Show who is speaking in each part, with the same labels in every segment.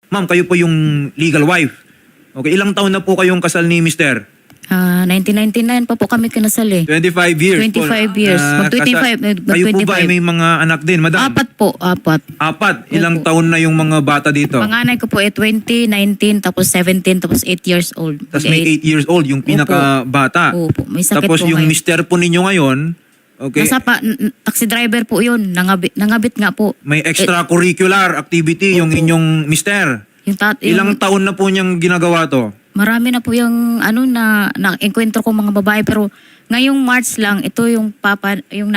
Speaker 1: Ma'am, kayo po yung legal wife. Okay, ilang taon na po kayong kasal ni Mr.?
Speaker 2: 1999 pa po kami kinasal eh.
Speaker 1: 25 years.
Speaker 2: 25 years. Mag-25,
Speaker 1: Kayo po ba ay
Speaker 2: 25.
Speaker 1: may mga anak din, madam?
Speaker 2: 4 po, 4.
Speaker 1: Apat. Ilang taon na yung mga bata dito?
Speaker 2: Panganay ko po 20, 19, tapos 17, tapos 8 years old.
Speaker 1: Tapos may 8 years old, yung pinaka-bata.
Speaker 2: Opo, may sakit
Speaker 1: Tapos
Speaker 2: po
Speaker 1: yung
Speaker 2: ngayon.
Speaker 1: mister po ninyo ngayon, okay,
Speaker 2: Taxi driver po yun. Nangabit nga po.
Speaker 1: may extracurricular activity yung
Speaker 2: Opo.
Speaker 1: inyong mister.
Speaker 2: Yung
Speaker 1: Ilang taon na po niyang ginagawa to?
Speaker 2: marami na po yung na-enkwentro ko mga babae, pero ngayong March lang, ito yung yung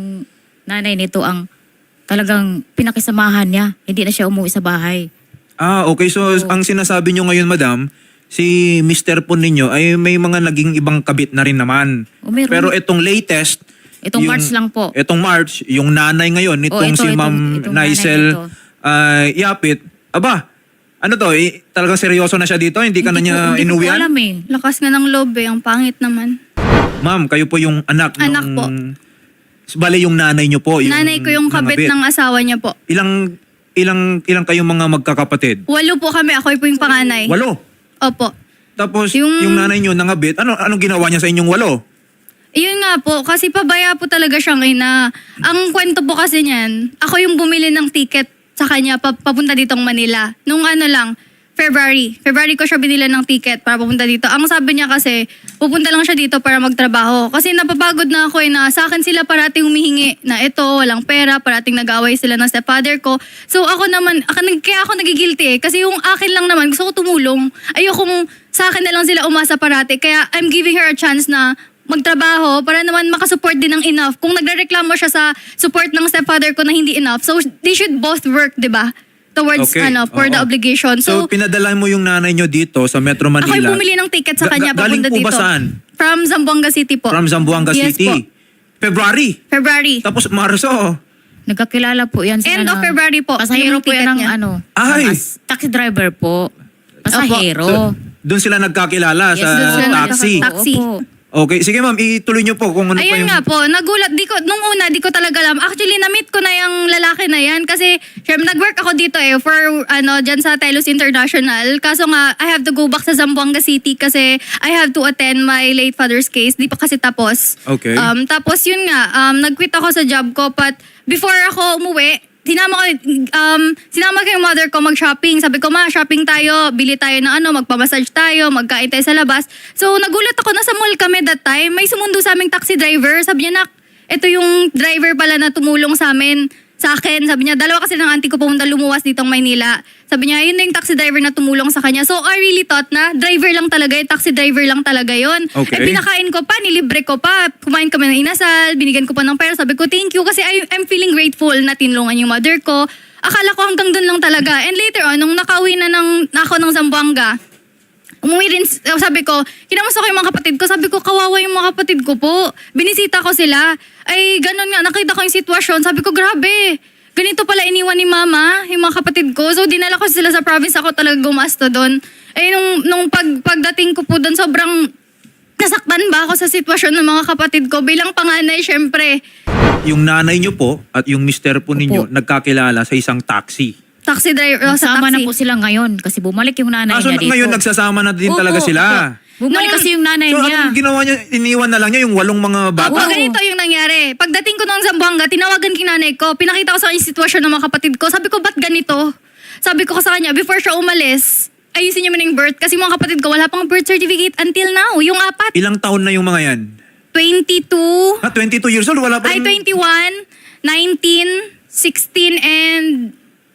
Speaker 2: nanay nito ang talagang pinakisamahan niya. Hindi na siya umuwi sa bahay.
Speaker 1: Okay. So, ang sinasabi nyo ngayon, madam, si mister po ninyo ay may mga naging ibang kabit na rin naman.
Speaker 2: Meron.
Speaker 1: Pero itong latest,
Speaker 2: Itong March lang po.
Speaker 1: Itong March, yung nanay ngayon, nitong si Ma'am
Speaker 2: itong
Speaker 1: Naisel
Speaker 2: nanay nito.
Speaker 1: Yapit, ano to, talagang seryoso na siya dito? Hindi ka na niya
Speaker 2: Hindi ko
Speaker 1: inuwian?
Speaker 2: alam eh.
Speaker 3: Lakas nga ng loob eh, ang pangit naman.
Speaker 1: Ma'am, kayo po yung anak
Speaker 3: Anak po.
Speaker 1: Bale, yung nanay nyo po.
Speaker 3: Nanay ko yung kabit ng asawa niya po.
Speaker 1: Ilang kayong mga magkakapatid?
Speaker 3: 8 po kami, ako po yung panganay.
Speaker 1: 8.
Speaker 3: Opo.
Speaker 1: Tapos, yung nanay nyo nangabit, anong ginawa niya sa inyong 8?
Speaker 3: Yun nga po, kasi pabaya po talaga siyang ina. Ang kwento po kasi niyan, ako yung bumili ng ticket sa kanya papunta ditong Manila. Nung February ko siya binila ng ticket para papunta dito. Ang sabi niya kasi, pupunta lang siya dito para magtrabaho. Kasi napapagod na ako na sa akin sila parating humihingi na ito, walang pera, parating nag-away sila ng stepfather ko. So ako naman, kaya ako nagigilty eh. Kasi yung akin lang naman, gusto ko tumulong. Ayokong sa akin na lang sila umasa parati. Kaya I'm giving her a chance na magtrabaho para naman makasupport din ng enough. Kung nagrereklamo siya sa support ng stepfather ko na hindi enough, so they should both work, di ba? Towards,
Speaker 1: Okay.
Speaker 3: for the
Speaker 1: Oo.
Speaker 3: obligation.
Speaker 1: So, pinadala mo yung nanay nyo dito sa Metro Manila.
Speaker 3: Ako yung bumili ng ticket sa kanya
Speaker 1: Galing
Speaker 3: papunta
Speaker 1: po ba
Speaker 3: dito.
Speaker 1: saan?
Speaker 3: From Zamboanga City po.
Speaker 1: From Zamboanga
Speaker 3: Yes
Speaker 1: City.
Speaker 3: po.
Speaker 1: February.
Speaker 3: February.
Speaker 1: Tapos Marso.
Speaker 2: Nagkakilala po yan sila
Speaker 3: End of February po.
Speaker 2: Pasahero
Speaker 3: Yung
Speaker 2: po yan
Speaker 3: ticket
Speaker 2: ng
Speaker 3: niya.
Speaker 1: Ay!
Speaker 2: taxi driver po. Pasahero.
Speaker 1: Doon sila nagkakilala sa
Speaker 2: doon sila
Speaker 1: taxi.
Speaker 3: Taxi.
Speaker 2: Opo.
Speaker 1: Okay, sige ma'am, ituloy nyo po kung ano pa
Speaker 3: Ayun
Speaker 1: yung...
Speaker 3: nga po, nagulat. Nung una, di ko talaga alam. Actually, na-meet ko na yung lalaki na yan. Kasi, syempre, nag-work ako dito for, dyan sa Telos International. Kaso nga, I have to go back sa Zamboanga City kasi I have to attend my late father's case. Di pa kasi tapos.
Speaker 1: Okay.
Speaker 3: Tapos yun nga, nag-quit ako sa job ko. But before ako umuwi, sinama ko yung mother ko mag-shopping. Sabi ko, ma, shopping tayo, bili tayo ng magpamassage tayo, magkain tayo sa labas. So, nagulat ako, nasa mall kami that time. May sumundo sa aming taxi driver. Sabi niya, nak, ito yung driver pala na tumulong sa amin, sa akin. Sabi niya, dalawa kasi ng auntie ko pumunta lumuwas ditong Maynila. Sabi niya, yun na yung taxi driver na tumulong sa kanya. So, I really thought na driver lang talaga, yung taxi driver lang talaga yun.
Speaker 1: Okay.
Speaker 3: Pinakain ko pa, nilibre ko pa. Kumain kami ng inasal, binigyan ko pa ng pera. Sabi ko, thank you kasi I'm feeling grateful na tinulungan yung mother ko. Akala ko hanggang doon lang talaga. And later on, nung nakauwi na ako ng Zamboanga, umuwi rin, sabi ko, kinamusta ko yung mga kapatid ko. Sabi ko, kawawa yung mga kapatid ko po. Binisita ko sila. Ay, ganun nga, nakita ko yung sitwasyon. Sabi ko, grabe. Ganito pala iniwan ni mama, yung mga kapatid ko. So, dinala ko sila sa province. Ako talaga gumasto doon. Eh, nung pagdating ko po doon, sobrang nasaktan ba ako sa sitwasyon ng mga kapatid ko. Bilang panganay, syempre.
Speaker 1: Yung nanay nyo po at yung mister po ninyo
Speaker 2: Opo.
Speaker 1: nagkakilala sa isang taxi.
Speaker 3: Taxi driver, sa
Speaker 2: Sama
Speaker 3: taxi.
Speaker 2: na po sila ngayon kasi bumalik yung nanay
Speaker 1: So
Speaker 2: niya dito.
Speaker 1: ngayon nagsasama na din
Speaker 2: Opo,
Speaker 1: talaga sila.
Speaker 2: opo. Bumalik kasi yung nanay
Speaker 1: So
Speaker 2: niya.
Speaker 1: anong ginawa niya? Iniwan na lang niya yung 8 mga bata?
Speaker 3: Oo, ganito yung nangyari. Pagdating ko ng Zamboanga, tinawagan kinanay ko. Pinakita ko sa kanya yung sitwasyon ng mga kapatid ko. Sabi ko, ba't ganito? Sabi ko sa kanya, before siya umalis, ayusin niyo man yung birth. Kasi mga kapatid ko, wala pang birth certificate until now. Yung 4.
Speaker 1: Ilang taon na yung mga yan?
Speaker 3: 22,
Speaker 1: 22 years old? Wala pa
Speaker 3: ay
Speaker 1: rin-
Speaker 3: 21, 19, 16, and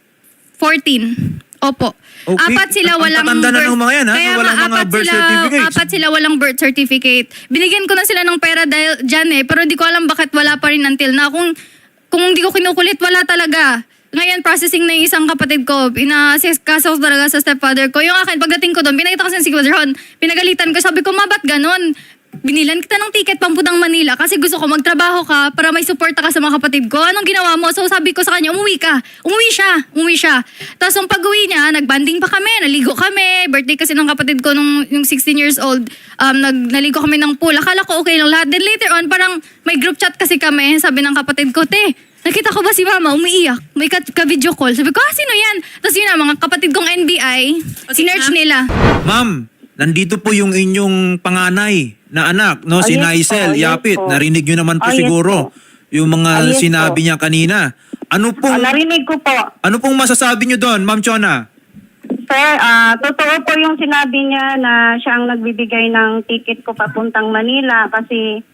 Speaker 3: 14. Opo.
Speaker 1: Okay.
Speaker 3: 4 sila
Speaker 1: Ang
Speaker 3: walang
Speaker 1: tatanda na ng mga yan, ha?
Speaker 3: Kaya
Speaker 1: Walang
Speaker 3: nga,
Speaker 1: mga
Speaker 3: 4
Speaker 1: birth certificates.
Speaker 3: 4 sila walang birth certificate. Binigyan ko na sila ng pera dahil dyan pero di ko alam bakit wala pa rin until na. Kung di ko kinukulit, wala talaga. Ngayon, processing na yung isang kapatid ko. Kaso talaga sa stepfather ko. Yung akin, pagdating ko doon, pinakita ko sa sitwasyon. Pinagalitan ko, sabi ko, ma, ba't ganon? Binilan kita ng ticket pamputang Manila kasi gusto ko magtrabaho ka para may suporta ka sa mga kapatid ko. Anong ginawa mo? So sabi ko sa kanya, umuwi ka. Umuwi siya. Tapos nung pag-uwi niya, nagbanding pa kami, naligo kami. Birthday kasi ng kapatid ko yung 16 years old. Naligo kami ng pool. Akala ko okay lang lahat. Then later on, parang may group chat kasi kami. Sabi ng kapatid ko, te, nakita ko ba si mama umiiyak? May ka-video call. Sabi ko, sino yan? Tapos yun na, mga kapatid kong NBI, bahay, sinearch nila.
Speaker 1: Ma'am, nandito po yung inyong panganay na anak, no? Si
Speaker 4: yes
Speaker 1: Naisel
Speaker 4: po, yes
Speaker 1: Yapit.
Speaker 4: po.
Speaker 1: Narinig nyo naman po
Speaker 4: Yes
Speaker 1: siguro
Speaker 4: po.
Speaker 1: yung mga
Speaker 4: Yes
Speaker 1: sinabi
Speaker 4: po.
Speaker 1: niya kanina. Ano pong,
Speaker 4: Narinig ko po.
Speaker 1: ano pong masasabi nyo doon, Ma'am Chona?
Speaker 4: Sir, totoo po yung sinabi niya na siya ang nagbibigay ng ticket ko papuntang Manila kasi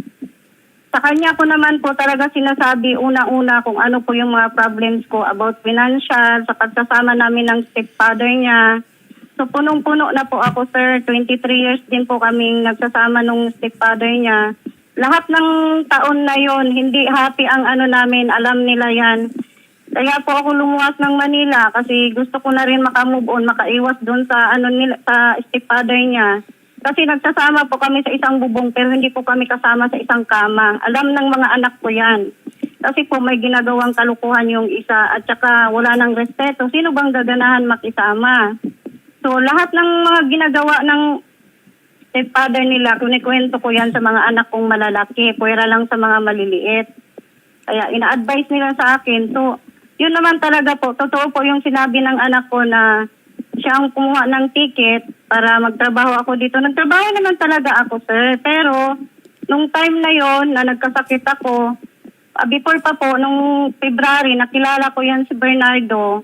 Speaker 4: sa kanya ko naman po talaga sinasabi una-una kung ano po yung mga problems ko about financial, sa pagsasama namin ng stepfather niya. So punong-puno na po ako, sir. 23 years din po kaming nagsasama nung stepfather niya. Lahat ng taon na yon hindi happy ang ano namin, alam nila yan. Kaya po ako lumuwas ng Manila kasi gusto ko na rin makamove on, makaiwas doon sa ano nila, sa stepfather niya. Kasi nagsasama po kami sa isang bubong pero hindi po kami kasama sa isang kama. Alam ng mga anak ko yan. Kasi po may ginagawang kalukuhan yung isa at saka wala nang respeto. Sino bang gaganahan makisama? So lahat ng mga ginagawa ng stepfather nila, kunikwento ko yan sa mga anak kong malalaki, puwera lang sa mga maliliit. Kaya ina-advise nila sa akin. So yun naman talaga po, totoo po yung sinabi ng anak ko na siya ang kumuha ng ticket para magtrabaho ako dito. Nagtrabaho naman talaga ako, sir. Pero nung time na yon na nagkasakit ako, before pa po, nung February, nakilala ko yan si Bernardo.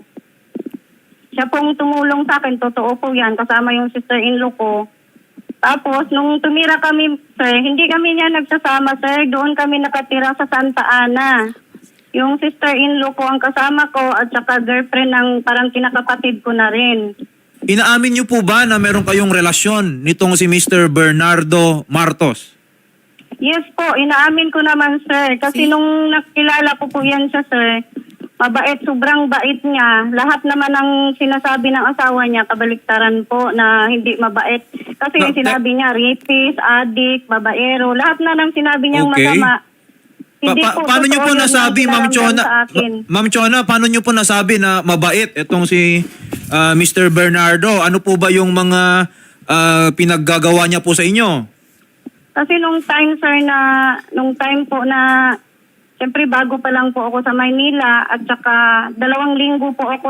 Speaker 4: Siya pong tumulong sa akin, totoo po yan, kasama yung sister-in-law ko. Tapos, nung tumira kami, sir, hindi kami niya nagsasama, sir. Doon kami nakatira sa Santa Ana. Yung sister-in-law ko ang kasama ko at saka girlfriend ng parang kinakapatid ko na rin.
Speaker 1: Inaamin nyo po ba na meron kayong relasyon nitong si Mr. Bernardo Martos?
Speaker 4: Yes po, inaamin ko naman, sir. Kasi nung nakilala ko po yan siya, sir, mabait, sobrang bait niya. Lahat naman ng sinasabi ng asawa niya, kabaliktaran po na hindi mabait. Kasi
Speaker 1: No,
Speaker 4: sinabi niya, rapist, addict, babaero, lahat na ng sinabi niyang
Speaker 1: Okay.
Speaker 4: masama. Hindi po
Speaker 1: Paano nyo
Speaker 4: totoo
Speaker 1: po
Speaker 4: yun
Speaker 1: nasabi,
Speaker 4: ang
Speaker 1: Ma'am
Speaker 4: pinaramdam
Speaker 1: Chona?
Speaker 4: sa akin.
Speaker 1: Ma'am Chona, paano nyo po nasabi na mabait itong si Mr. Bernardo? Ano po ba yung mga pinaggagawa niya po sa inyo?
Speaker 4: Kasi nung time, sir, nung time po na, siyempre bago pa lang po ako sa Maynila at saka 2 linggo po ako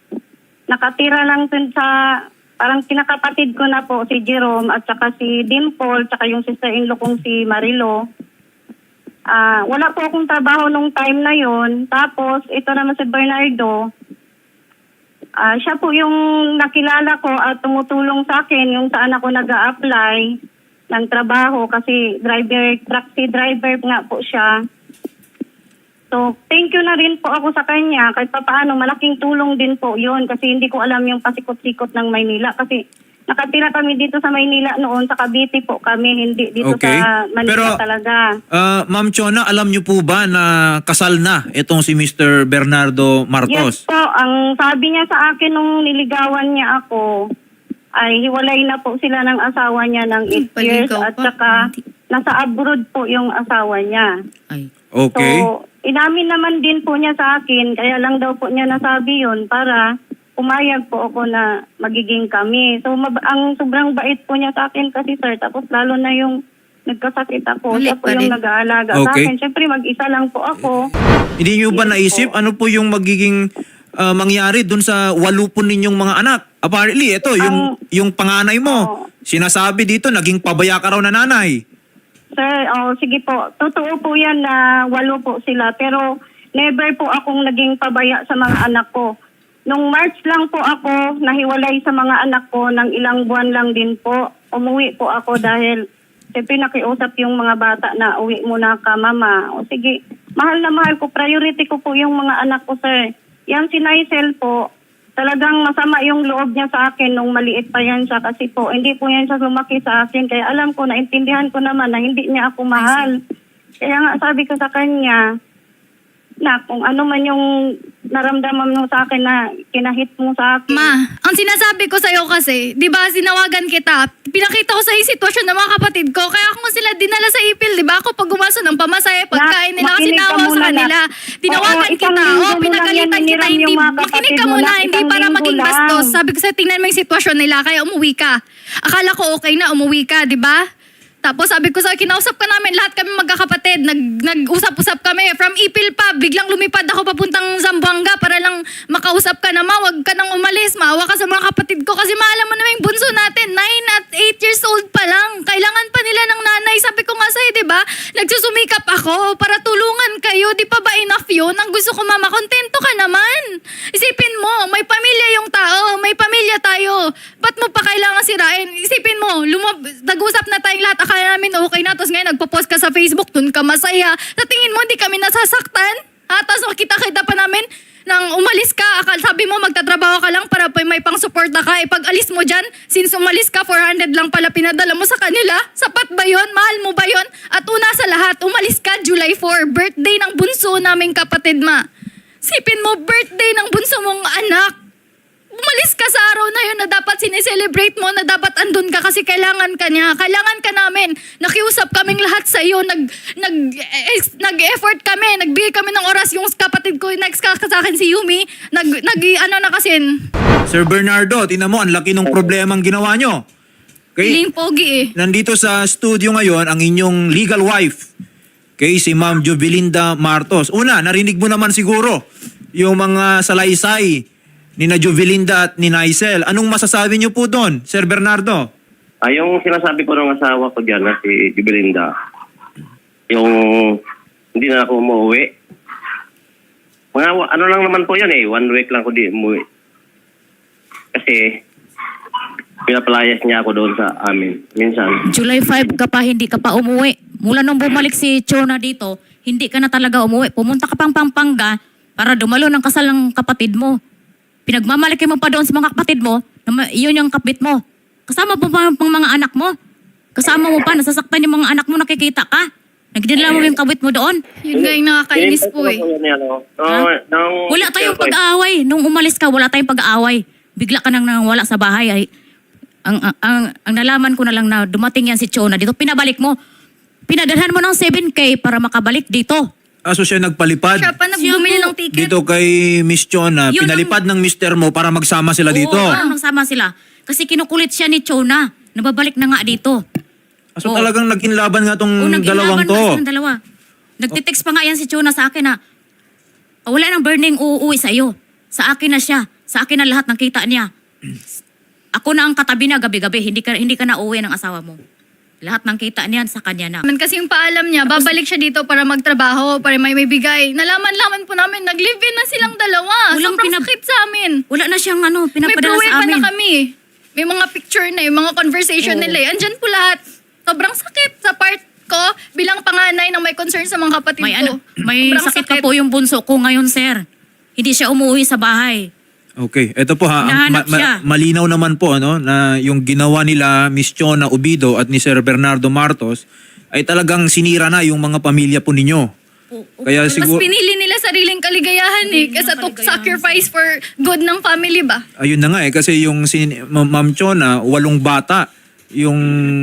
Speaker 4: nakatira lang dun sa, parang kinakapatid ko na po si Jerome at saka si Dimple, saka yung sister-in-law kong si Marilo. Wala po akong trabaho nung time na yon. Tapos, ito naman si Bernardo, siya po yung nakilala ko at tumutulong sa akin yung saan ako nag-a-apply ng trabaho kasi taxi driver nga po siya. So, thank you na rin po ako sa kanya. Kahit paano, malaking tulong din po yun kasi hindi ko alam yung pasikot-sikot ng Maynila kasi nakatira kami dito sa Maynila noon, sa Cavite po kami, hindi dito
Speaker 1: Okay.
Speaker 4: sa Manila
Speaker 1: Pero,
Speaker 4: talaga.
Speaker 1: Ma'am Chona, alam nyo po ba na kasal na itong si Mr. Bernardo
Speaker 4: Yes
Speaker 1: Martos?
Speaker 4: po, ang sabi niya sa akin nung niligawan niya ako, ay hiwalay na po sila ng asawa niya ng 8 years
Speaker 2: paligaw
Speaker 4: at
Speaker 2: pa.
Speaker 4: saka nasa abroad po yung asawa niya.
Speaker 2: Ay.
Speaker 1: Okay.
Speaker 4: So, inamin naman din po niya sa akin, kaya lang daw po niya nasabi yun para pumayag po ako na magiging kami. So, ang sobrang bait po niya sa akin kasi, sir, tapos lalo na yung nagkasakit ako,
Speaker 2: Mali
Speaker 4: siya po
Speaker 2: pa
Speaker 4: yung
Speaker 2: rin.
Speaker 4: nag-aalaga sa
Speaker 1: Okay.
Speaker 4: akin. Siyempre, mag-isa lang po ako.
Speaker 1: Hindi nyo ba
Speaker 4: Yes
Speaker 1: naisip
Speaker 4: po.
Speaker 1: ano po yung magiging mangyari dun sa 8 po ninyong mga anak? Apparently, ito, yung panganay mo, sinasabi dito, naging pabaya ka raw na nanay.
Speaker 4: Sir, sige po. Totoo po yan na 8 po sila. Pero never po akong naging pabaya sa mga anak ko. Nung March lang po ako nahiwalay sa mga anak ko, ng ilang buwan lang din po. Umuwi po ako dahil siyempre nakiusap yung mga bata na uwi muna ka, mama. O sige, mahal na mahal ko. Priority ko po yung mga anak ko, sir. Yan si Naisel po, talagang masama yung loob niya sa akin nung maliit pa yan siya kasi po, hindi po yan siya lumaki sa akin. Kaya alam ko, naintindihan ko naman na hindi niya ako mahal. Kaya nga sabi ko sa kanya, na kung ano man yung naramdaman mo sa akin na kinahit mo sa akin.
Speaker 3: Ma, ang sinasabi ko sa'yo kasi, di ba, sinawagan kita, pinakita ko sa yung sitwasyon ng mga kapatid ko, kaya ako sila dinala sa ipil, di ba? Ako pag gumaso ng pamasaya, pagkain nila, kasi
Speaker 4: makinig ka
Speaker 3: nawa sa
Speaker 4: muna,
Speaker 3: kanila. Tinawagan
Speaker 4: isang
Speaker 3: kita,
Speaker 4: linggo mo lang
Speaker 3: pinagalitan
Speaker 4: yan
Speaker 3: kita,
Speaker 4: naniram
Speaker 3: hindi,
Speaker 4: yung mga
Speaker 3: makinig
Speaker 4: kapatid
Speaker 3: ka
Speaker 4: mo
Speaker 3: muna,
Speaker 4: lang,
Speaker 3: hindi
Speaker 4: isang
Speaker 3: para
Speaker 4: linggo
Speaker 3: maging
Speaker 4: lang.
Speaker 3: bastos. Sabi ko sa'yo, tingnan mo yung sitwasyon nila, kaya umuwi ka. Akala ko okay na, umuwi ka, di ba? Tapos sabi ko sa kinausap ka namin, lahat kami magkakapatid. Nag-usap-usap kami. From Ipil pa, biglang lumipad ako papuntang Zamboanga para lang makausap ka naman. Huwag ka nang umalis. Maawa ka sa mga kapatid ko. Kasi maalam mo naman yung bunso natin. 9 at 8 years old pa lang. Kailangan pa nila ng nanay. Sabi ko nga sa'yo, di ba? Nagsusumikap ako para tulungan kayo. Di pa ba enough yun? Ang gusto ko, mama, kontento ka naman. Isipin mo, may pamilya yung tao. May pamilya tayo. Ba't mo pa kailangan sirain? Isipin mo, nag-usap na tayong lahat. Akala namin okay na. Tapos ngayon, nagpo-post ka sa Facebook. Dun ka masaya. Sa tingin mo, hindi kami nasasaktan? Ha? Tapos makita-kita pa namin nang umalis ka. Sabi mo, magtatrabaho ka lang para may pang-suporta ka. Pag alis mo dyan, since umalis ka, 400 lang pala pinadala mo sa kanila. Sapat ba yun? Mahal mo ba yun? At una sa lahat, umalis ka July 4. Birthday ng bunso naming kapatid, ma. Sipin mo, birthday ng bunso mong anak. Umalis ka sa araw na yun na dapat sineselebrate mo, na dapat andun ka kasi kailangan ka niya. Kailangan ka namin. Nakiusap kaming lahat sa iyo. Nag-effort kami. Nagbigay kami ng oras. Yung kapatid ko, next ka sa akin si Yumi,
Speaker 1: Sir Bernardo, tingnan mo, ang laki ng problemang ginawa nyo.
Speaker 3: Feeling pogi eh.
Speaker 1: Nandito sa studio ngayon ang inyong legal wife, si Ma'am Jovelinda Martos. Una, narinig mo naman siguro yung mga salaysay ni na Jovelinda at ni Naisel. Anong masasabi niyo po doon, Sir Bernardo?
Speaker 5: Yung sinasabi ko ng asawa ko dyan na si Jovelinda, yung hindi na ako umuwi. Mga ano lang naman po yun 1 week lang ko di umuwi. Kasi pinapalayas niya ako doon sa amin. Minsan.
Speaker 2: July 5 ka pa, hindi ka pa umuwi. Mula nung bumalik si Chona dito, hindi ka na talaga umuwi. Pumunta ka pang Pampanga para dumalo ng kasal ng kapatid mo. Pinagmamalaki mo pa doon sa mga kapatid mo, yun yung kapit mo. Kasama mo pa ang mga anak mo. Kasama mo pa, nasasaktan yung mga anak mo, nakikita ka. Nagdala mo yung kabit mo doon.
Speaker 3: Yun nga yung nakakainis po eh.
Speaker 2: Wala tayong pag-aaway. Nung umalis ka, wala tayong pag-aaway. Bigla ka nang wala sa bahay. Ay, ang nalaman ko na lang na dumating yan si Chona dito, pinabalik mo. Pinadalhan mo ng 7K para makabalik dito.
Speaker 1: So siya nagpalipad
Speaker 3: Siya pa nagbumili ng ticket.
Speaker 1: dito kay Miss Chona.
Speaker 2: Yun
Speaker 1: Pinalipad ng mister mo para magsama sila dito.
Speaker 2: Oo, parang nagsama sila. Kasi kinukulit siya ni Chona. Nababalik na nga dito.
Speaker 1: So talagang nag-inlaban nga tong
Speaker 2: Oo,
Speaker 1: dalawang
Speaker 2: nag-ilaban
Speaker 1: to.
Speaker 2: na silang dalawa. Nagtitext pa nga yan si Chona sa akin na wala nang burning uuwi sa iyo. Sa akin na siya. Sa akin na lahat ng kita niya. Ako na ang katabi niya gabi-gabi. Hindi ka na uuwi ng asawa mo. Lahat ng kita niyan sa kanya na.
Speaker 3: Kasi yung paalam niya, babalik siya dito para magtrabaho, para may bigay. Nalaman-laman po namin, nag-live-in na silang dalawa.
Speaker 2: Walang
Speaker 3: Sobrang sakit sa amin.
Speaker 2: Wala na siyang
Speaker 3: May
Speaker 2: pinapadala
Speaker 3: pruweba
Speaker 2: sa amin.
Speaker 3: na kami. May mga picture na, yung mga conversation nila. Andyan po lahat. Sobrang sakit sa part ko bilang panganay na may concern sa mga kapatid ko.
Speaker 2: May
Speaker 3: Sobrang
Speaker 2: sakit pa po yung bunso ko ngayon, sir. Hindi siya umuwi sa bahay.
Speaker 1: Okay, ito po ha,
Speaker 2: Hinahanap siya.
Speaker 1: malinaw naman po na yung ginawa nila Miss Chona Ubido at ni Sir Bernardo Martos ay talagang sinira na yung mga pamilya po ninyo. Kaya
Speaker 3: Mas
Speaker 1: siguro,
Speaker 3: pinili nila sariling kaligayahan kasi to sacrifice for good ng family ba?
Speaker 1: ayun na nga kasi yung Ma'am Chona, 8 bata yung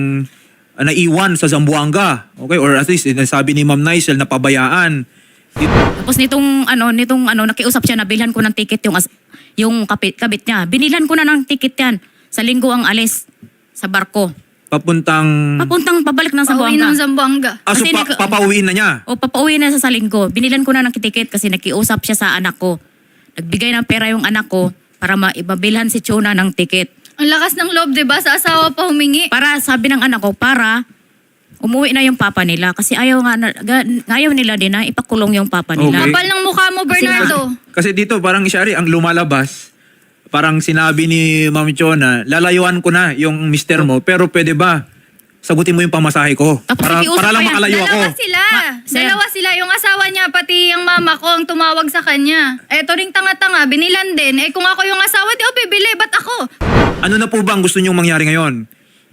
Speaker 1: naiwan sa Zamboanga. Okay, or at least sabi ni Ma'am Naisel na pabayaan.
Speaker 2: Tapos nitong nakiusap siya na bilhan ko ng ticket yung kabit niya. Binilan ko na ng ticket yan. Sa linggo ang alis sa barko.
Speaker 1: Papuntang...
Speaker 2: Pabalik ng
Speaker 3: Pauwi ng
Speaker 2: Zamboanga.
Speaker 3: Zamboanga.
Speaker 1: So
Speaker 2: Kasi
Speaker 1: papauwiin na niya.
Speaker 2: O papauwi na sa linggo. Binilan ko na ng ticket kasi nakiusap siya sa anak ko. Nagbigay ng pera yung anak ko para maibabilhan si Chona ng ticket.
Speaker 3: Ang lakas ng loob, 'di ba? Sa asawa pa humingi.
Speaker 2: Para sabi ng anak ko, para umuwi na yung papa nila. Kasi ayaw nila din na ipakulong yung papa nila.
Speaker 1: Okay.
Speaker 3: Kapal ng mukha mo, Bernardo.
Speaker 1: Kasi dito parang Shari, ang lumalabas, parang sinabi ni Ma'am Chona, lalayuan ko na yung mister mo, pero pwede ba sagutin mo yung pamasahe ko?
Speaker 2: Tapos
Speaker 1: Para
Speaker 2: nakiusap
Speaker 1: lang
Speaker 2: pa yan.
Speaker 1: makalayo ako.
Speaker 2: Sir.
Speaker 3: Dalawa sila. Yung asawa niya, pati yung mama ko ang tumawag sa kanya. Eto ring tanga-tanga, binilan din. Kung ako yung asawa, di bibili. Ba't ako?
Speaker 1: Ano na po ba ang gusto niyong mangyari ngayon?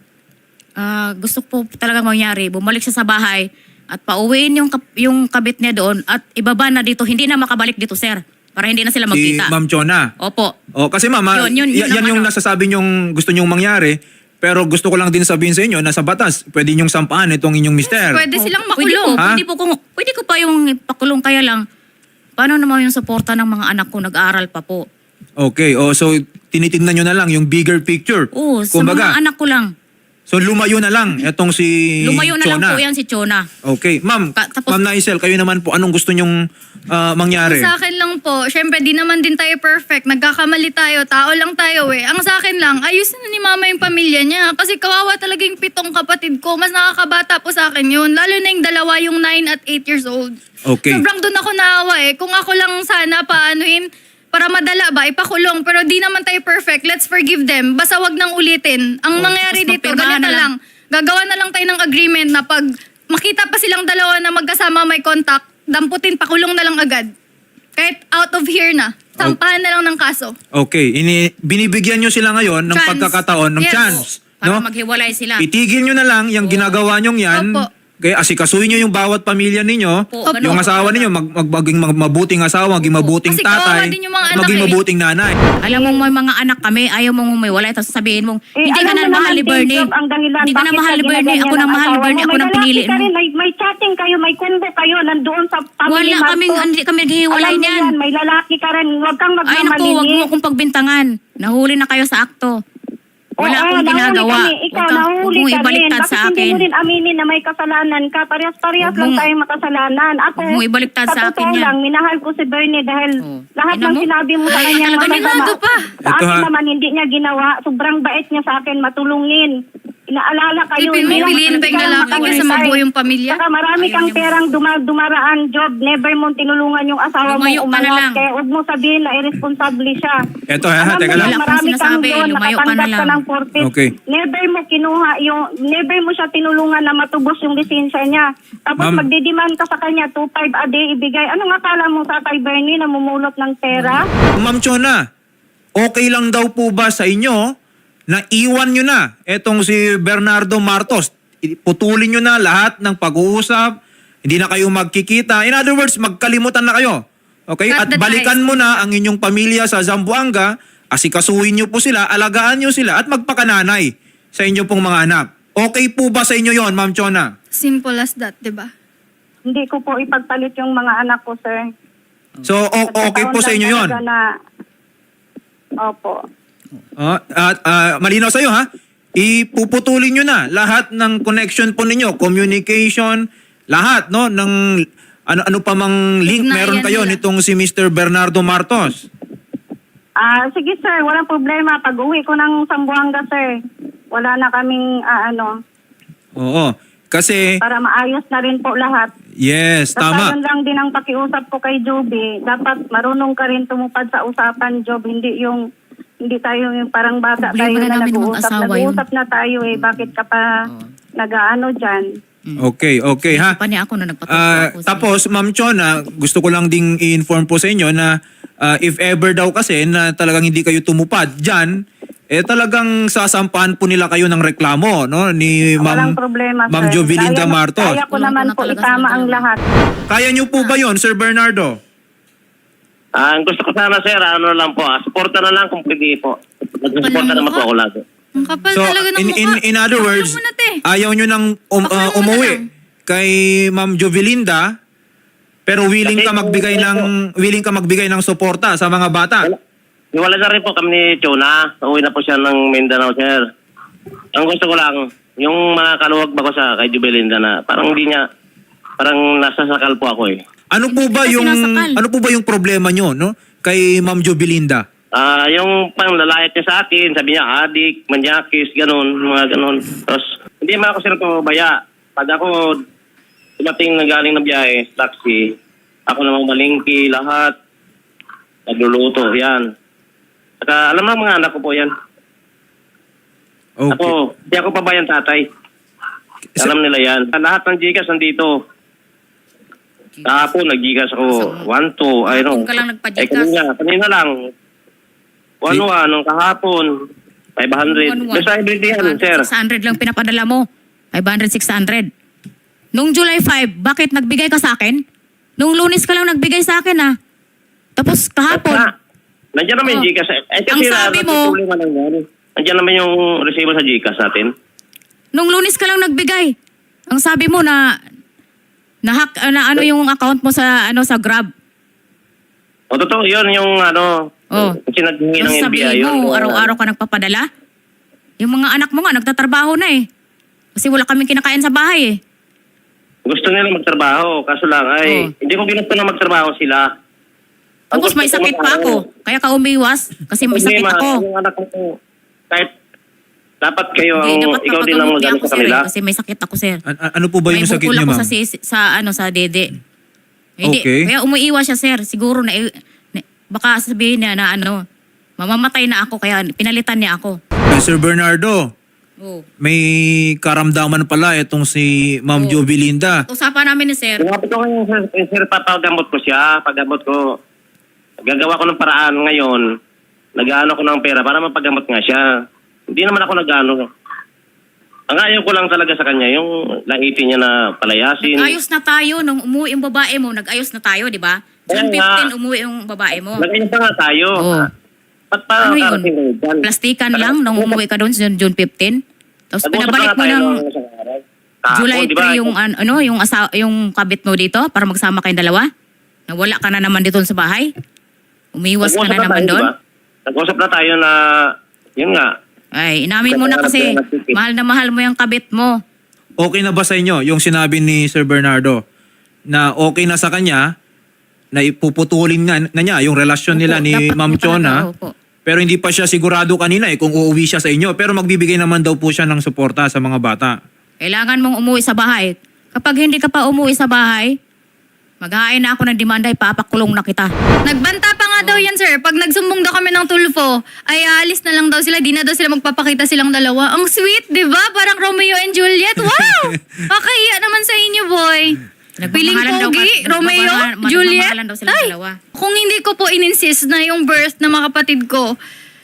Speaker 2: Gusto po talaga mangyari, bumalik siya sa bahay at pauwiin yung kabit niya doon at ibaba na dito, hindi na makabalik dito, sir. Para hindi na sila
Speaker 1: Si
Speaker 2: magkita.
Speaker 1: Ma'am Chona.
Speaker 2: Opo.
Speaker 1: O, kasi mama,
Speaker 2: Yun
Speaker 1: yan
Speaker 2: ang
Speaker 1: yung
Speaker 2: ano.
Speaker 1: nasasabi niyong gusto niyong mangyari, pero gusto ko lang din sabihin sa inyo na sa batas, pwede niyong sampahan itong inyong mister.
Speaker 3: Pwede silang
Speaker 2: Pwede
Speaker 3: makulong.
Speaker 1: Ha?
Speaker 2: Pwede ko pa yung pakulong, kaya lang, paano naman yung suporta ng mga anak ko, nag-aaral pa po.
Speaker 1: Okay, so tinitingnan niyo na lang yung bigger picture.
Speaker 2: Oo, sa
Speaker 1: Kumbaga,
Speaker 2: mga anak ko lang.
Speaker 1: So lumayo na lang itong si
Speaker 2: Lumayo na lang
Speaker 1: Chona.
Speaker 2: po yan si Chona.
Speaker 1: Okay. Ma'am,
Speaker 2: Tapos-
Speaker 1: Ma'am Naisel, kayo naman po, anong gusto nyong mangyari?
Speaker 3: Sa akin lang po, syempre di naman din tayo perfect. Nagkakamali tayo, tao lang tayo eh. Ang sa akin lang, ayusin na ni mama yung pamilya niya. Kasi kawawa talaga yung 7 kapatid ko. Mas nakakabata po sa akin yun. Lalo na yung dalawa, yung 9 at 8 years old.
Speaker 1: Okay.
Speaker 3: Sobrang doon ako naawa eh. Kung ako lang sana paanuhin, para madala ba, ipakulong. Pero di naman tayo perfect. Let's forgive them. Basta wag nang ulitin. Ang nangyayari
Speaker 2: tapos
Speaker 3: dito,
Speaker 2: magpirmahan
Speaker 3: ganito
Speaker 2: na lang.
Speaker 3: lang. Gagawa na lang tayo ng agreement na pag makita pa silang dalawa na magkasama may contact, damputin, pakulong na lang agad. Kahit out of here na. Sampahan na lang ng kaso.
Speaker 1: Okay. Binibigyan nyo sila ngayon ng
Speaker 3: Chance.
Speaker 1: pagkakataon ng
Speaker 3: Yes.
Speaker 1: chance.
Speaker 2: Para
Speaker 1: No?
Speaker 2: maghiwalay sila.
Speaker 1: Itigil nyo na lang yung ginagawa nyong yan.
Speaker 3: Opo.
Speaker 1: Kaya asikasuhin nyo yung bawat pamilya ninyo.
Speaker 2: Opo,
Speaker 1: Yung
Speaker 2: ganun.
Speaker 1: asawa ninyo, maging mabuting asawa, maging mabuting
Speaker 3: Kasi kawawa
Speaker 1: tatay,
Speaker 3: din yung mga
Speaker 1: at
Speaker 3: anak
Speaker 1: maging
Speaker 3: eh.
Speaker 1: mabuting nanay.
Speaker 2: Alam mo, may mga anak kami, ayaw mong umiwalay, tapos sabihin mong, hindi ka
Speaker 4: alam
Speaker 2: na
Speaker 4: mo
Speaker 2: mahal
Speaker 4: naman,
Speaker 2: ni Bernie.
Speaker 4: Jacob, ang dahilan
Speaker 2: Hindi ka na
Speaker 4: bakit
Speaker 2: mahal ni
Speaker 4: ka
Speaker 2: Bernie.
Speaker 4: ginaganyan
Speaker 2: Ako nang
Speaker 4: ng
Speaker 2: mahal ni
Speaker 4: asawa
Speaker 2: Bernie.
Speaker 4: mo.
Speaker 2: Ako
Speaker 4: May
Speaker 2: nang
Speaker 4: lalaki
Speaker 2: pinili
Speaker 4: ka
Speaker 2: mo.
Speaker 4: rin, may chatting kayo, may combo kayo, nandoon sa family
Speaker 2: Wala
Speaker 4: mart
Speaker 2: kaming,
Speaker 4: ko.
Speaker 2: hindi kami naghihiwalay
Speaker 4: Alam mo
Speaker 2: niyan.
Speaker 4: yan, may lalaki ka rin, huwag kang
Speaker 2: Ay naku, wag mo akong pagbintangan. Nahuli na kayo sa akto. Wala akong ginagawa.
Speaker 4: Ikaw,
Speaker 2: Huwag
Speaker 4: nahuli
Speaker 2: mong
Speaker 4: ka rin.
Speaker 2: ibaliktad
Speaker 4: Bakit
Speaker 2: sa
Speaker 4: hindi
Speaker 2: akin.
Speaker 4: mo rin aminin na may kasalanan ka? Parehas-parehas
Speaker 2: Huwag
Speaker 4: lang
Speaker 2: mong-
Speaker 4: tayo makasalanan. Ako,
Speaker 2: huwag mong ibaliktad sa akin
Speaker 4: totoo
Speaker 2: yan.
Speaker 4: lang, minahal ko si Bernie dahil
Speaker 2: Oh.
Speaker 4: lahat
Speaker 2: Tingnan
Speaker 4: ng
Speaker 2: mo.
Speaker 4: sinabi mo sa
Speaker 2: Ay,
Speaker 4: kanya
Speaker 2: talaga
Speaker 3: nilado pa.
Speaker 4: Sa
Speaker 1: Ito,
Speaker 4: akin
Speaker 1: ha?
Speaker 4: naman, hindi niya ginawa. Sobrang bait niya sa akin, matulungin. Inaalala kayo.
Speaker 3: Ipin mo,
Speaker 4: hindi lang-
Speaker 3: piliin pa yung
Speaker 4: hindi ka lang
Speaker 3: lalaki kaysa
Speaker 4: makasay.
Speaker 3: mabuo yung pamilya.
Speaker 4: Saka marami
Speaker 2: Ayaw
Speaker 4: kang
Speaker 2: niya
Speaker 4: perang dumaraan job. Never mo tinulungan yung asawa mo
Speaker 2: Lumayo ka na
Speaker 4: umangat.
Speaker 2: lang.
Speaker 4: Kaya huwag mo sabihin na irresponsable siya.
Speaker 1: Eto, ha,
Speaker 4: Alam
Speaker 1: teka
Speaker 4: mo
Speaker 1: lang.
Speaker 4: na
Speaker 2: Wala akong
Speaker 4: marami kang
Speaker 2: sinasabi,
Speaker 4: doon,
Speaker 2: lumayo ka na
Speaker 4: nakatanggap ka
Speaker 2: lang.
Speaker 4: ng 40.
Speaker 1: Okay.
Speaker 4: Never mo siya tinulungan na matubos yung lisensya niya. Tapos
Speaker 1: Ma'am.
Speaker 4: magdidemand ka sa kanya, 2.5 a day ibigay. Anong akala mo sa kay Bernie na mumulot ng pera?
Speaker 1: Ma'am Chona, okay lang daw po ba sa inyo na iwan nyo na etong si Bernardo Martos? Putulin nyo na lahat ng pag-uusap, hindi na kayo magkikita. In other words, magkalimutan na kayo. Okay?
Speaker 3: Cut
Speaker 1: At
Speaker 3: the
Speaker 1: balikan
Speaker 3: ties.
Speaker 1: mo na ang inyong pamilya sa Zamboanga, asikasuhin nyo po sila, alagaan nyo sila, at magpakananay sa inyong pong mga anak. Okay po ba sa inyo yon, Ma'am Chona?
Speaker 3: Simple as that, di ba?
Speaker 4: Hindi ko po ipagpalit yung mga anak ko, sir.
Speaker 1: So, okay po sa inyo yon?
Speaker 4: Opo.
Speaker 1: Malinaw sa'yo ha, ipuputulin nyo na lahat ng connection po ninyo, communication, lahat no, ng ano pa mang link
Speaker 3: Ugnayan
Speaker 1: meron kayo
Speaker 3: nila.
Speaker 1: nitong si Mr. Bernardo Martos.
Speaker 4: Sige, sir. Walang problema. Pag uwi ko ng Zamboanga, sir, wala na kaming
Speaker 1: Oo. Kasi,
Speaker 4: para maayos na rin po lahat.
Speaker 1: yes,
Speaker 4: Basta
Speaker 1: tama.
Speaker 4: yun lang din ang pakiusap ko kay Joby. Dapat marunong ka rin tumupad sa usapan, Job. Hindi tayo yung parang bata
Speaker 2: Problema
Speaker 4: tayo
Speaker 2: na
Speaker 4: na
Speaker 2: namin
Speaker 4: nag-uusap.
Speaker 2: mag-asawa yun.
Speaker 4: Nag-uusap na tayo eh. Bakit ka pa nag-aano dyan?
Speaker 1: Okay, ha.
Speaker 2: Pa niya ako na nagpatuto ako.
Speaker 1: Tapos, Ma'am Chona, gusto ko lang ding i-inform po sa inyo na if ever daw kasi na talagang hindi kayo tumupad dyan, talagang sasampahan po nila kayo ng reklamo, no? Ni
Speaker 4: Walang
Speaker 1: Ma'am,
Speaker 4: problema,
Speaker 1: Ma'am
Speaker 4: sir.
Speaker 1: Jovelinda Martos.
Speaker 4: Kaya ko
Speaker 2: Walang
Speaker 4: naman
Speaker 2: ko na
Speaker 4: po
Speaker 2: talaga
Speaker 4: itama
Speaker 2: sa
Speaker 4: ang
Speaker 2: reklamo.
Speaker 4: lahat.
Speaker 1: Kaya niyo po ba yon, Sir Bernardo?
Speaker 5: Ang gusto ko sana, sir, ano lang po, suporta na lang kung pwede po. Nagsusuporta naman po ako lagi.
Speaker 3: Ang kapal
Speaker 1: So,
Speaker 3: talaga ng mukha.
Speaker 1: in other words,
Speaker 3: Pakulong mo na, te.
Speaker 1: ayaw nyo nang
Speaker 3: Pakulong mo na
Speaker 1: umuwi
Speaker 3: lang.
Speaker 1: kay Ma'am Jovelinda, pero willing ka magbigay ng suporta sa mga bata.
Speaker 5: Iwala na rin po kami ni Chona. Uwi na po siya ng Mindanao, sir. Ang gusto ko lang, yung mga kaluwag ba ko sa kay Jubelinda na parang hindi niya, parang nasasakal po ako eh.
Speaker 1: Ano po ba
Speaker 2: Kasi nasakal.
Speaker 1: yung problema nyo, no? Kay Ma'am Jovelinda?
Speaker 5: Yung pang lalayat niya sa akin, sabi niya, adik, manyakis, ganun, mga ganun. Tapos, hindi man ako sila pabaya. Pag ako dumating na galing na biyahe, taxi, ako namang malingki, lahat, nagluluto, yan. Saka, alam mo mga anak ko po yan.
Speaker 1: Okay.
Speaker 5: Ako, hindi ako pabayan tatay. Alam nila yan. Lahat ng Gcash nandito. Kahapon, nag-Gcash ako. 1, 2, I know.
Speaker 2: Kung ka lang nagpa-Gcash.
Speaker 5: Kanina lang. 1, nung kahapon. 500. Basta everyday yan, sir.
Speaker 2: 600 lang pinapadala mo. 500, 600. Nung July 5, bakit nagbigay ka sa akin? Nung Lunes ka lang nagbigay sa akin Tapos kahapon,
Speaker 5: Nandiyan naman yung
Speaker 2: Oh.
Speaker 5: Gcash.
Speaker 2: Ang sabi mo-
Speaker 5: natutulungan lang yan. Nandiyan naman yung receiver sa Gcash natin.
Speaker 2: nung Lunes ka lang nagbigay. Ang sabi mo na hack na ano yung account mo sa sa Grab.
Speaker 5: O, totoo, yun yung
Speaker 2: Oh.
Speaker 5: kasi naghingi ng
Speaker 2: Tapos
Speaker 5: NBI
Speaker 2: sabihin
Speaker 5: yun.
Speaker 2: mo, araw-araw ka nagpapadala? Yung mga anak mo nga, nagtatrabaho na eh. Kasi wala kaming kinakain sa bahay eh.
Speaker 5: Gusto nila magtrabaho, kaso lang ay hindi ko ginusto na magtrabaho sila. Ang
Speaker 2: Tapos
Speaker 5: gusto
Speaker 2: may
Speaker 5: ko
Speaker 2: sakit pa
Speaker 5: mag-aral.
Speaker 2: ako. Kaya ka umiwas. Kasi may sakit
Speaker 5: Problema,
Speaker 2: ako.
Speaker 5: Yung anak ko, kahit dapat kayo,
Speaker 2: Hindi, dapat
Speaker 5: ikaw din ang
Speaker 2: papagamot niya
Speaker 5: magano
Speaker 2: ako,
Speaker 5: sa
Speaker 2: sir.
Speaker 5: kanila.
Speaker 2: Kasi may sakit ako, sir.
Speaker 1: Ano po ba yung
Speaker 2: May
Speaker 1: sakit
Speaker 2: bukol
Speaker 1: niya,
Speaker 2: ako
Speaker 1: ma'am?
Speaker 2: sa dede. Hindi,
Speaker 1: Okay.
Speaker 2: kaya umuiwas siya, sir. Siguro baka sabihin niya na mamamatay na ako, kaya pinalitan niya ako.
Speaker 1: Sir Bernardo,
Speaker 2: Oh.
Speaker 1: may karamdaman pala itong si Ma'am Jovelinda.
Speaker 2: Usapan namin ni sir.
Speaker 5: Sinabi ko ngayon, sir, papagamot ko siya. Paggamot ko, gagawa ko ng paraan ngayon. Nag-ano ko ng pera para mapagamot nga siya. Hindi naman ako nag-ano. Ang ayaw ko lang talaga sa kanya, yung laitin niya na palayasin.
Speaker 2: Nag-ayos na tayo nung umuwi yung babae mo. Nag-ayos na tayo, di ba? June
Speaker 5: Kaya nga.
Speaker 2: 15 umuwi yung babae mo.
Speaker 5: Nag-ayos na nga tayo.
Speaker 2: Oo.
Speaker 5: Ba't pa
Speaker 2: Ano yun?
Speaker 5: karating kayo dyan?
Speaker 2: Plastikan lang nung umuwi ka doon June 15. Tapos
Speaker 5: Nag-usap
Speaker 2: pinabalik
Speaker 5: na
Speaker 2: mo
Speaker 5: tayo
Speaker 2: ng
Speaker 5: nung isang araw. Kahapon,
Speaker 2: July
Speaker 5: di ba?
Speaker 2: 3 yung kabit mo dito para magsama kayong dalawa. Nawala ka na naman dito sa bahay. Umiwas ka
Speaker 5: Nag-usap
Speaker 2: na naman
Speaker 5: tayo,
Speaker 2: doon.
Speaker 5: di ba? Nag-usap na tayo na, yun nga,
Speaker 2: Ay, inamin mo na kasi mahal na mahal mo yung kabit mo.
Speaker 1: Okay na ba sa inyo yung sinabi ni Sir Bernardo na okay na sa kanya na ipuputulin na niya yung relasyon nila
Speaker 2: Opo,
Speaker 1: ni
Speaker 2: dapat
Speaker 1: Ma'am
Speaker 2: po talaga,
Speaker 1: Chona?
Speaker 2: opo.
Speaker 1: Pero hindi pa siya sigurado kanina kung uuwi siya sa inyo. Pero magbibigay naman daw po siya ng suporta sa mga bata.
Speaker 2: Kailangan mong umuwi sa bahay. Kapag hindi ka pa umuwi sa bahay, maghahain na ako ng demanda, ipapakulong na kita.
Speaker 3: Nagbanta pa nga daw yan, sir. Pag nagsumbong daw kami ng tulfo, ay aalis na lang daw sila. Di na daw sila magpapakita silang dalawa. Ang sweet, di ba? Parang Romeo and Juliet. Wow! Kakahiya naman sa inyo, boy. Piling
Speaker 2: Nagmamahalan daw
Speaker 3: pogi,
Speaker 2: ka-
Speaker 3: Romeo, Juliet.
Speaker 2: nagmamahalan daw silang
Speaker 3: Ay,
Speaker 2: dalawa.
Speaker 3: kung hindi ko po in-insist na yung birth ng mga kapatid ko,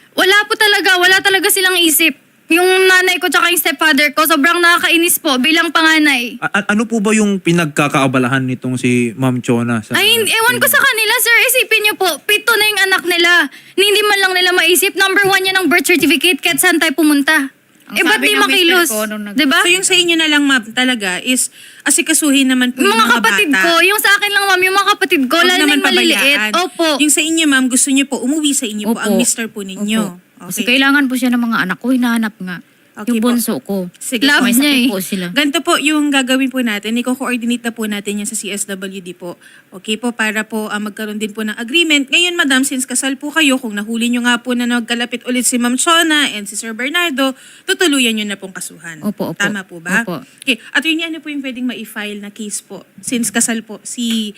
Speaker 3: wala talaga silang isip. Yung nanay ko tsaka yung stepfather ko, sobrang nakakainis po bilang panganay.
Speaker 1: Ano po ba yung pinagkakaabalahan nitong si Ma'am Chona?
Speaker 3: Ay, ewan ko sa kanila, sir. Isipin niyo po, 7 na yung anak nila. Hindi man lang nila maisip. Number 1 yan ang birth certificate kahit saan tayo pumunta.
Speaker 2: Ang
Speaker 3: Ba't
Speaker 2: sabi
Speaker 3: di
Speaker 2: ng
Speaker 3: makilos?
Speaker 2: mister ko nung
Speaker 3: Diba?
Speaker 6: So yung sa inyo na lang, ma'am, talaga is asikasuhin naman po yung
Speaker 3: Mga
Speaker 6: mga
Speaker 3: kapatid
Speaker 6: bata.
Speaker 3: ko, yung sa akin lang, ma'am, yung mga kapatid ko,
Speaker 6: Huwag
Speaker 3: lalo na
Speaker 6: naman
Speaker 3: yung maliliit.
Speaker 6: pabayaan.
Speaker 3: Opo.
Speaker 6: Yung sa inyo, ma'am, gusto niyo po, umuwi sa inyo po
Speaker 2: Opo.
Speaker 6: ang mister po ninyo.
Speaker 2: Opo. Kasi kailangan po siya ng mga anak ko, hinahanap nga.
Speaker 6: Okay
Speaker 2: yung
Speaker 6: po.
Speaker 2: bunso ko.
Speaker 6: Sige
Speaker 3: Love
Speaker 2: May
Speaker 3: niya
Speaker 2: sakit
Speaker 3: eh.
Speaker 2: po sila.
Speaker 6: Ganito po yung gagawin po natin. Iko-coordinate na po natin yan sa CSWD po. Okay po, para po magkaroon din po ng agreement. Ngayon, madam, since kasal po kayo, kung nahuli nyo nga po na nagkalapit ulit si Ma'am Chona and si Sir Bernardo, tutuluyan nyo na pong kasuhan.
Speaker 2: Opo, opo.
Speaker 6: Tama po ba?
Speaker 2: Opo.
Speaker 6: Okay. At yun, ano po yung pwedeng ma-file na case po? Since kasal po si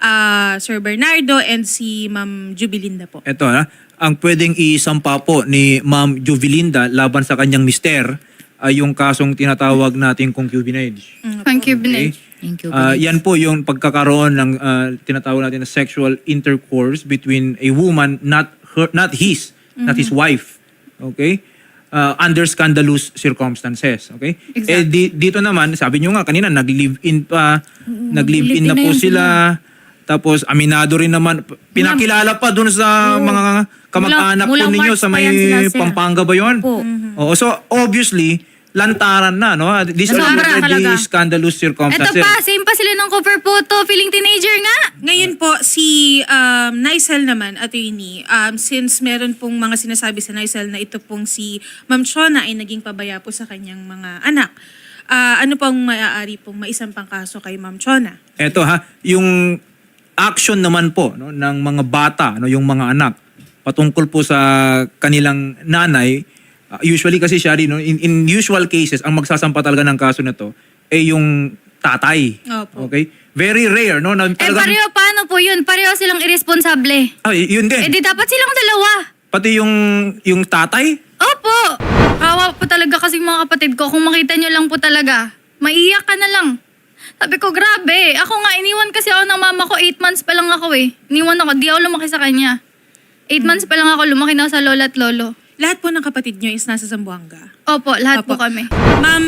Speaker 6: Sir Bernardo and si Ma'am Jubilinda po.
Speaker 1: Ito ang pwedeng isampa po ni Ma'am Jovelinda laban sa kanyang mister ay yung kasong tinatawag nating concubinage.
Speaker 3: Thank you,
Speaker 1: Okay?
Speaker 3: Binay.
Speaker 2: Thank you.
Speaker 1: Yan po yung pagkakaroon ng tinatawag natin na sexual intercourse between a woman, not his wife. Okay? Under scandalous circumstances. Okay? Dito naman, sabi nyo nga kanina, nag-live-in pa, nag-live-in na po sila. Tapos aminado rin naman, pinakilala pa dun sa mga kamag-anak
Speaker 2: Mula
Speaker 1: po ninyo
Speaker 2: March
Speaker 1: sa
Speaker 2: pa
Speaker 1: may
Speaker 2: yan sila, sir.
Speaker 1: Pampanga ba yun?
Speaker 2: Opo.
Speaker 1: Oo, so obviously, lantaran na, no? These are
Speaker 2: Sobra
Speaker 1: already
Speaker 2: talaga.
Speaker 1: scandalous
Speaker 3: Ito
Speaker 1: circumstances.
Speaker 3: pa, same pa sila ng cover photo. Feeling teenager nga.
Speaker 6: Ngayon po, si Nicel naman, attorney, since meron pong mga sinasabi sa Nicel na ito pong si Ma'am Chona ay naging pabaya po sa kanyang mga anak, ano pong maaari pong maisampang kaso kay Ma'am Chona?
Speaker 1: Eto yung action naman po no, ng mga bata, no, yung mga anak, patungkol po sa kanilang nanay, usually kasi siya rin, no, in usual cases, ang magsasampa talaga ng kaso na to, yung tatay.
Speaker 6: Opo.
Speaker 1: Okay? Very rare, no? Na talagang,
Speaker 3: pareho paano po yun? Pareho silang irresponsable.
Speaker 1: yun din.
Speaker 3: Di dapat silang dalawa.
Speaker 1: Pati yung tatay,
Speaker 3: Opo. Kawa po talaga kasi mga kapatid ko. Kung makita nyo lang po talaga, maiiyak ka na lang. Sabi ko, grabe. Ako nga, iniwan kasi ako ng mama ko. 8 months pa lang ako eh. Iniwan ako. Di ako lumaki sa kanya. 8 months pa lang ako. Lumaki na ako sa lola at lolo.
Speaker 6: Lahat po ng kapatid nyo is nasa Zamboanga.
Speaker 3: Opo, lahat po
Speaker 6: Opo.
Speaker 3: kami.
Speaker 6: Ma'am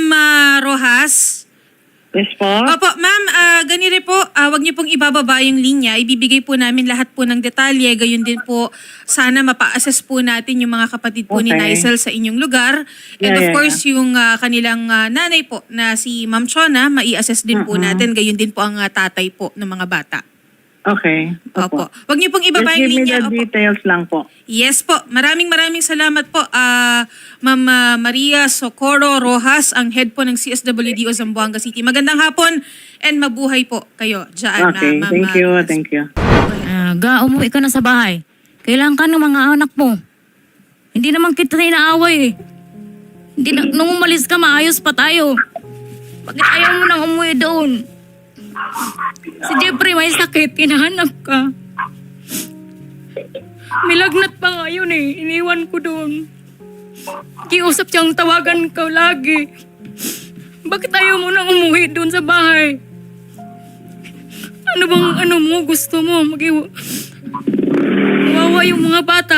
Speaker 6: Rojas?
Speaker 5: Yes po.
Speaker 6: Opo, ma'am, ganire po, wag niyo pong ibababa yung linya. Ibibigay po namin lahat po ng detalye. Gayon din po, sana mapa-assess po natin yung mga kapatid po ni
Speaker 5: Okay.
Speaker 6: Nicel sa inyong lugar. And of course, yung kanilang nanay po na si Ma'am Chona, mai-assess din po natin. Gayon din po ang tatay po ng mga bata.
Speaker 7: Okay.
Speaker 6: Opo. Huwag niyo pong ibaba
Speaker 7: Just
Speaker 6: yung
Speaker 7: give me
Speaker 6: linya.
Speaker 7: the
Speaker 6: Opo.
Speaker 7: details lang po.
Speaker 6: Yes po. Maraming salamat po. Ma'am Maria Socorro Rojas, ang head po ng CSWD o Zamboanga City. Magandang hapon and mabuhay po kayo dyan.
Speaker 7: Okay.
Speaker 6: Ma'am
Speaker 7: Thank you.
Speaker 6: Rojas.
Speaker 7: Thank you.
Speaker 2: Umuwi ka na sa bahay. Kailangan ka ng mga anak mo. Hindi naman kita na inaaway eh. Nung umalis ka, maayos pa tayo. Bakit ayaw mo nang umuwi doon? Si Jeffrey may sakit, hinahanap ka. May lagnat pa nga yun eh. Iniwan ko doon. Kiusap siyang tawagan ka lagi. Bakit ayaw mo nang umuwi doon sa bahay? Ano mo gusto mo? Mawawa yung mga bata.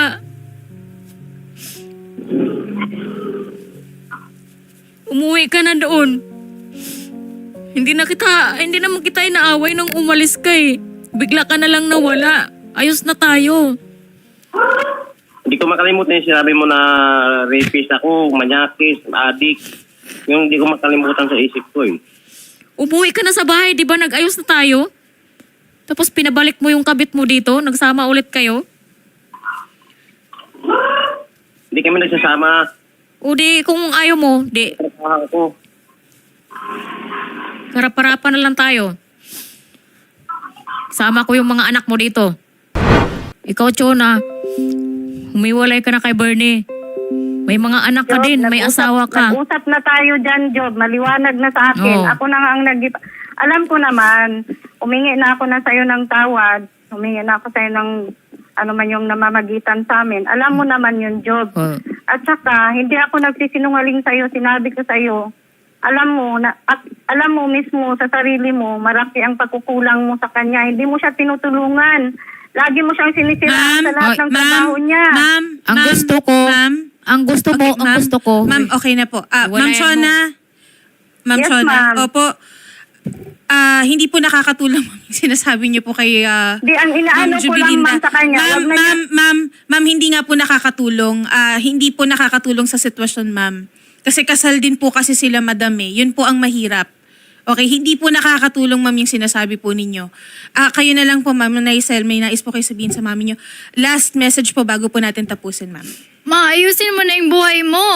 Speaker 2: Umuwi ka na doon. Hindi naman kita inaaway nung umalis ka eh. Bigla ka na lang nawala. Ayos na tayo.
Speaker 5: Hindi ko makalimutan yung sinabi mo na rapist ako, manyakis, adik. Yung hindi ko makalimutan sa isip ko eh.
Speaker 2: Umuwi ka na sa bahay, di ba nag-ayos na tayo? Tapos pinabalik mo yung kabit mo dito, nagsama ulit kayo?
Speaker 5: Hindi kami nagsasama.
Speaker 2: O di, kung ayaw mo, di,
Speaker 5: Trabaho ko.
Speaker 2: harap-harapan na lang tayo. Sama ko yung mga anak mo dito. Ikaw, Chona, humiwalay ka na kay Bernie. May mga anak ka
Speaker 4: Job,
Speaker 2: din, may asawa ka.
Speaker 4: Nag-usap na tayo dyan, Job. Maliwanag na sa akin.
Speaker 2: Oo.
Speaker 4: Ako na nga ang alam ko naman, humingi na ako na sa'yo ng tawad. Humingi na ako sa'yo ng ano man yung namamagitan sa amin. Alam mo naman yun, Job.
Speaker 2: Oh.
Speaker 4: At saka, hindi ako nagsisinungaling sa'yo. Sinabi ko sa'yo, alam mo mismo sa sarili mo, marami ang pagkukulang mo sa kanya. Hindi mo siya tinutulungan. Lagi mo siyang sinisiraan sa lahat ng trabaho niya.
Speaker 2: Ang gusto ko, ang gusto mo,
Speaker 6: Okay,
Speaker 2: ang gusto ko.
Speaker 6: Ma'am, okay na po. Ma'am
Speaker 2: Walayan
Speaker 6: Shona. Ma'am
Speaker 4: Yes,
Speaker 6: Shona.
Speaker 4: ma'am.
Speaker 6: Opo. Hindi po nakakatulong ma'am, yung sinasabi niyo po kay
Speaker 4: Di, ang inaano ko lang man sa kanya. wag na niya-
Speaker 6: Ma'am, hindi nga po nakakatulong. Hindi po nakakatulong sa sitwasyon, ma'am. Kasi kasal din po kasi sila, madam eh. Yun po ang mahirap. Okay, hindi po nakakatulong, ma'am, yung sinasabi po ninyo. Kayo na lang po, ma'am, Naisel, may nais po kayo sabihin sa mami nyo. Last message po bago po natin tapusin, ma'am.
Speaker 3: Maayusin mo na yung buhay mo.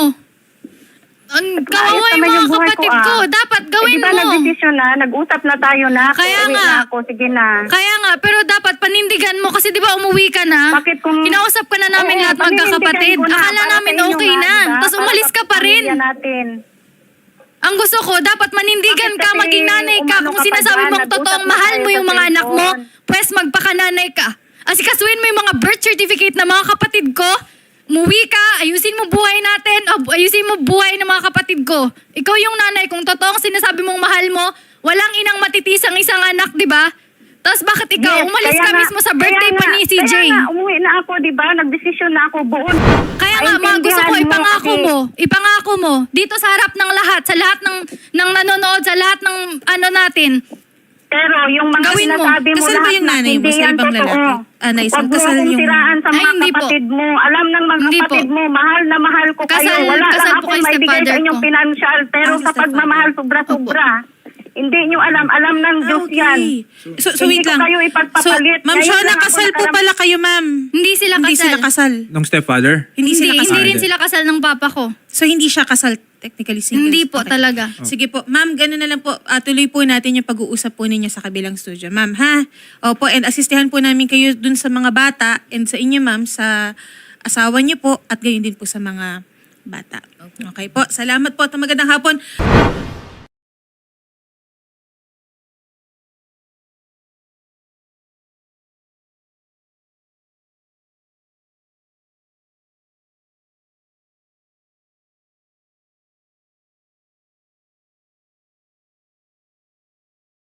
Speaker 3: Ang kawawa
Speaker 4: Ayos
Speaker 3: yung
Speaker 4: naman
Speaker 3: mga
Speaker 4: yung buhay
Speaker 3: kapatid
Speaker 4: ko,
Speaker 3: ko. Dapat gawin
Speaker 4: di ba
Speaker 3: mo.
Speaker 4: nagdesisyon na, nag-usap na tayo na.
Speaker 3: Kaya
Speaker 4: Uuwi
Speaker 3: nga.
Speaker 4: na ako, sige na.
Speaker 3: Kaya nga, pero dapat panindigan mo kasi di ba umuwi ka na?
Speaker 4: Bakit kung...
Speaker 3: Kinausap ka na namin
Speaker 4: Oo,
Speaker 3: lahat magkakapatid.
Speaker 4: paninindigan ko na,
Speaker 3: Akala
Speaker 4: para
Speaker 3: namin
Speaker 4: sa inyo
Speaker 3: okay
Speaker 4: nga,
Speaker 3: na.
Speaker 4: diba?
Speaker 3: Tapos
Speaker 4: Para
Speaker 3: umalis
Speaker 4: sa
Speaker 3: ka pa rin.
Speaker 4: pamilya natin.
Speaker 3: Ang gusto ko, dapat manindigan
Speaker 4: Bakit
Speaker 3: ka,
Speaker 4: kasi
Speaker 3: maging nanay ka.
Speaker 4: umano
Speaker 3: Kung
Speaker 4: ka pa
Speaker 3: sinasabi
Speaker 4: dyan,
Speaker 3: mong totoong
Speaker 4: nag-usap na
Speaker 3: mahal
Speaker 4: tayo
Speaker 3: mo yung
Speaker 4: sa
Speaker 3: mga anak mo,
Speaker 4: cellphone.
Speaker 3: pwes magpakananay ka. Asikasuin mo yung mga birth certificate ng mga kapatid ko. Muwi ka, ayusin mo buhay natin, ayusin mo buhay ng mga kapatid ko. Ikaw yung nanay, kung totoong sinasabi mong mahal mo, walang inang matitisang isang anak, di ba? Tapos bakit ikaw,
Speaker 4: Yes,
Speaker 3: umalis
Speaker 4: kaya
Speaker 3: ka
Speaker 4: nga-
Speaker 3: mismo sa birthday
Speaker 4: kaya
Speaker 3: pa
Speaker 4: nga-
Speaker 3: ni CJ.
Speaker 4: Kaya nga, umuwi na ako, di ba? Nagdesisyon na ako buon.
Speaker 3: Kaya nga, mga gusto ko,
Speaker 4: Maintindihan
Speaker 3: ipangako mo, dito sa harap ng lahat, sa lahat ng nanonood, sa lahat ng ano natin.
Speaker 4: Pero yung mga
Speaker 3: Gawin mo.
Speaker 4: sinasabi mo
Speaker 6: Kasal ba
Speaker 4: lahat
Speaker 6: yung
Speaker 4: na
Speaker 6: nanay mo
Speaker 4: hindi
Speaker 6: sa
Speaker 4: yan
Speaker 6: ibang
Speaker 4: totoo.
Speaker 6: lalaki? Naisel,
Speaker 4: Huwag mo
Speaker 6: kasal
Speaker 4: akong
Speaker 6: yung-
Speaker 4: siraan sa
Speaker 3: Ay,
Speaker 4: mga
Speaker 3: hindi po.
Speaker 4: kapatid mo. Alam ng mga
Speaker 3: Hindi
Speaker 4: kapatid
Speaker 3: po.
Speaker 4: mo, mahal ko kayo.
Speaker 3: Kasal-
Speaker 4: Wala
Speaker 3: kasal
Speaker 4: lang
Speaker 3: po
Speaker 4: akong
Speaker 3: kayo sa
Speaker 4: may bigay
Speaker 3: father
Speaker 4: sa inyong
Speaker 3: ko.
Speaker 4: financial. Pero
Speaker 6: Ang
Speaker 4: sa
Speaker 6: stepfather.
Speaker 4: pagmamahal, sobra-sobra. Hindi nyo alam ng Diyos yan.
Speaker 6: So
Speaker 4: Hindi
Speaker 6: wait
Speaker 4: ko
Speaker 6: lang.
Speaker 4: kayo ipagpapalit.
Speaker 6: Ma'am
Speaker 4: Ngayon
Speaker 6: Shona,
Speaker 4: lang ako
Speaker 6: kasal po
Speaker 4: nakaram-
Speaker 6: pala kayo, ma'am.
Speaker 3: Hindi sila
Speaker 6: Hindi
Speaker 3: kasal.
Speaker 6: sila kasal.
Speaker 1: Nung stepfather?
Speaker 6: Hindi sila kasal.
Speaker 3: Hindi rin sila kasal ng papa ko.
Speaker 6: So hindi siya kasal, technically single.
Speaker 3: Hindi po talaga.
Speaker 6: Sige po. Ma'am, gano'n na lang po. Tuloy po natin yung pag-uusap po ninyo sa kabilang studio. Ma'am, ha? Opo, and asistihan po namin kayo dun sa mga bata and sa inyo, ma'am, sa asawa niyo po at gayon din po sa mga bata. Okay po. Salamat po at magandang hapon.